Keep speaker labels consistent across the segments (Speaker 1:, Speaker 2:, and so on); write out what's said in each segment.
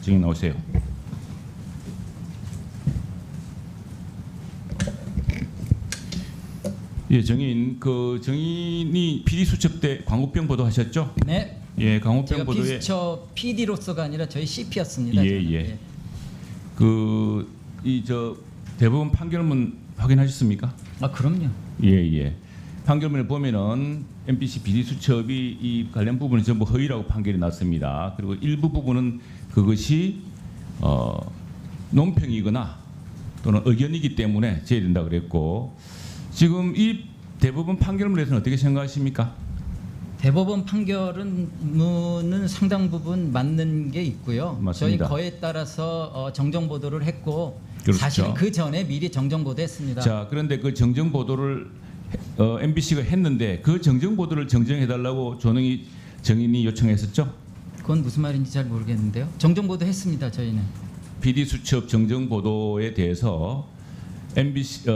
Speaker 1: 증인 나오세요. 예, 증인 증인이 PD 수첩 때 광우병 보도하셨죠?
Speaker 2: 네.
Speaker 1: 예, 광우병
Speaker 2: 제가
Speaker 1: 보도에
Speaker 2: 비수처 PD로서가 아니라 저희 CP였습니다.
Speaker 1: 예, 예. 대법원 판결문 확인하셨습니까?
Speaker 2: 아 그럼요.
Speaker 1: 예, 예. 판결문을 보면은 MBC PD 수첩이 이 관련 부분은 전부 허위라고 판결이 났습니다. 그리고 일부 부분은 그것이 논평이거나 또는 의견이기 때문에 제외된다 그랬고, 지금 이 대법원 판결문에서는 어떻게 생각하십니까?
Speaker 2: 대법원 판결은 상당 부분 맞는 게 있고요.
Speaker 1: 맞습니다.
Speaker 2: 저희 거에 따라서 정정 보도를 했고
Speaker 1: 그렇죠.
Speaker 2: 사실은 그 전에 미리 정정 보도했습니다.
Speaker 1: 자, 그런데 그 정정 보도를 MBC가 했는데 그 정정 보도를 정정해달라고 조능희 증인이 요청했었죠?
Speaker 2: 그건 무슨 말인지 잘 모르겠는데요. 정정 보도 했습니다. 저희는.
Speaker 1: PD 수첩 정정 보도에 대해서 MBC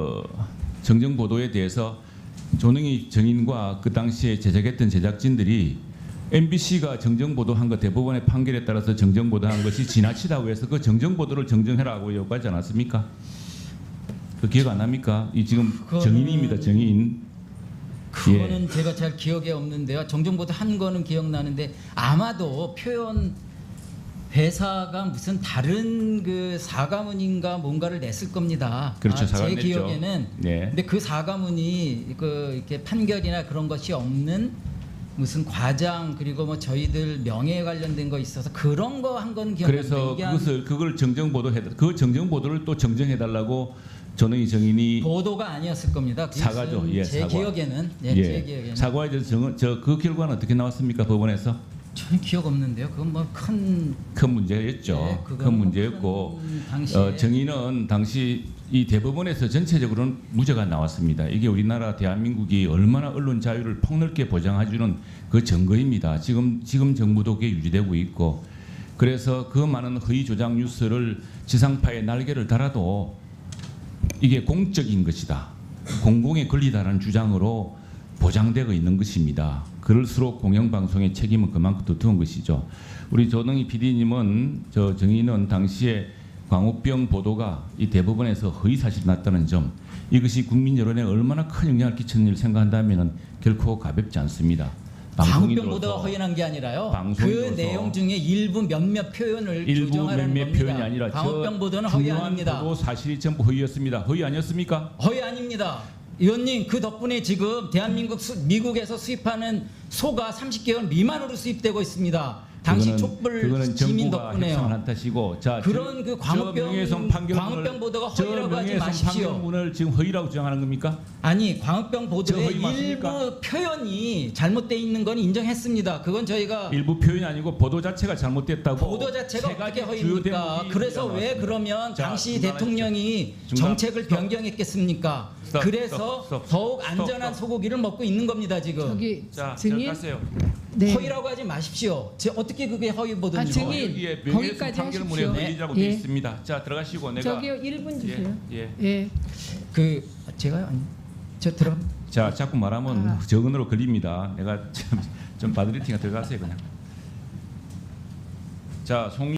Speaker 1: 정정 보도에 대해서 조능희 증인과 그 당시에 제작했던 제작진들이 MBC가 정정 보도한 것 대법원의 판결에 따라서 정정 보도한 것이 지나치다고 해서 그 정정 보도를 정정해라고 요구하지 않았습니까? 그 기억 안 납니까? 이 지금 증인입니다, 증인.
Speaker 2: 그거는 제가 잘 기억에 없는데요. 정정 보도 한 거는 기억나는데 아마도 표현 회사가 무슨 다른 그 사과문인가 뭔가를 냈을 겁니다.
Speaker 1: 그렇죠,
Speaker 2: 제
Speaker 1: 사과를 냈죠.
Speaker 2: 기억에는.
Speaker 1: 네.
Speaker 2: 근데 그 사과문이 이렇게 판결이나 그런 것이 없는 무슨 과장 그리고 뭐 저희들 명예에 관련된 거 있어서 그런 거 한 건 기억나는데
Speaker 1: 그래서
Speaker 2: 이게
Speaker 1: 그걸 정정 보도해 그 정정 보도를 또 정정해 달라고 조능희 증인이
Speaker 2: 보도가 아니었을 겁니다.
Speaker 1: 사과죠. 예,
Speaker 2: 제
Speaker 1: 사과.
Speaker 2: 기억에는
Speaker 1: 예,
Speaker 2: 제 기억에는
Speaker 1: 사과에 대해서 그 결과는 어떻게 나왔습니까, 법원에서?
Speaker 2: 저는 기억 없는데요. 그건 뭐 큰
Speaker 1: 큰 문제였죠.
Speaker 2: 네, 그건
Speaker 1: 큰 문제였고
Speaker 2: 큰 당시에
Speaker 1: 증인은 당시 이 대법원에서 전체적으로는 무죄가 나왔습니다. 이게 우리나라 대한민국이 얼마나 언론 자유를 폭넓게 보장해주는 그 증거입니다. 지금 정부도 그게 유지되고 있고, 그래서 그 많은 허위 조작 뉴스를 지상파에 날개를 달아도 이게 공적인 것이다, 공공의 권리다라는 주장으로 보장되고 있는 것입니다. 그럴수록 공영방송의 책임은 그만큼 두터운 것이죠. 우리 조능희 PD님은 증인은 당시에 광우병 보도가 이 대법원에서 허위 사실이 났다는 점, 이것이 국민 여론에 얼마나 큰 영향을 끼쳤는지를 생각한다면 결코 가볍지 않습니다.
Speaker 2: 광우병 보도가 허연한 게 아니라요. 그 내용 중에 일부 몇몇 표현을
Speaker 1: 일부
Speaker 2: 조정하라는
Speaker 1: 몇몇
Speaker 2: 겁니다.
Speaker 1: 표현이 아니라
Speaker 2: 광우병 보도는 허위
Speaker 1: 중요한
Speaker 2: 아닙니다.
Speaker 1: 보도 사실이 전부 허위였습니다. 허위 아니었습니까?
Speaker 2: 허위 아닙니다. 의원님 그 덕분에 지금 대한민국 미국에서 수입하는 소가 30개월 미만으로 수입되고 있습니다. 당시 촛불
Speaker 1: 그거는
Speaker 2: 시민
Speaker 1: 정부가 협상을
Speaker 2: 덕분에요.
Speaker 1: 한 탓이고, 자,
Speaker 2: 그런 그 광우병 보도가 허위라고 하지 마십시오.
Speaker 1: 판결문을 지금 허위라고 주장하는 겁니까?
Speaker 2: 아니 광우병 보도의
Speaker 1: 허위 맞습니까?
Speaker 2: 일부 표현이 잘못돼 있는 건 인정했습니다. 그건 저희가
Speaker 1: 일부 표현이 아니고 보도 자체가 잘못됐다고.
Speaker 2: 보도 자체가
Speaker 1: 세 가지
Speaker 2: 어떻게
Speaker 1: 주요
Speaker 2: 허위입니까?
Speaker 1: 대목이
Speaker 2: 그래서
Speaker 1: 우리가
Speaker 2: 왜
Speaker 1: 나왔습니다.
Speaker 2: 그러면
Speaker 1: 자,
Speaker 2: 당시
Speaker 1: 중단하십시오.
Speaker 2: 대통령이
Speaker 1: 중단.
Speaker 2: 정책을
Speaker 1: 스톱.
Speaker 2: 변경했겠습니까?
Speaker 1: 스톱.
Speaker 2: 그래서
Speaker 1: 스톱.
Speaker 2: 더욱
Speaker 1: 스톱.
Speaker 2: 안전한
Speaker 1: 스톱.
Speaker 2: 소고기를 먹고 있는 겁니다 지금.
Speaker 3: 저기
Speaker 1: 자,
Speaker 3: 증인
Speaker 1: 가세요.
Speaker 3: 네.
Speaker 2: 허위라고 하지 마십시오. 어떻게 그게 허위 보도인지.
Speaker 3: 증인,
Speaker 1: 여기에
Speaker 3: 거기까지
Speaker 1: 판결문에
Speaker 3: 하십시오.
Speaker 1: 허위라고
Speaker 3: 네.
Speaker 1: 되어 있습니다. 자, 들어가시고 내가
Speaker 3: 저기요 1분 주세요.
Speaker 1: 예.
Speaker 3: 예.
Speaker 2: 그 제가요? 아니 저 들어.
Speaker 1: 자, 자꾸 말하면
Speaker 3: 아.
Speaker 1: 적은으로 걸립니다. 내가 좀 바드리팅에 들어가세요 그냥. 자, 송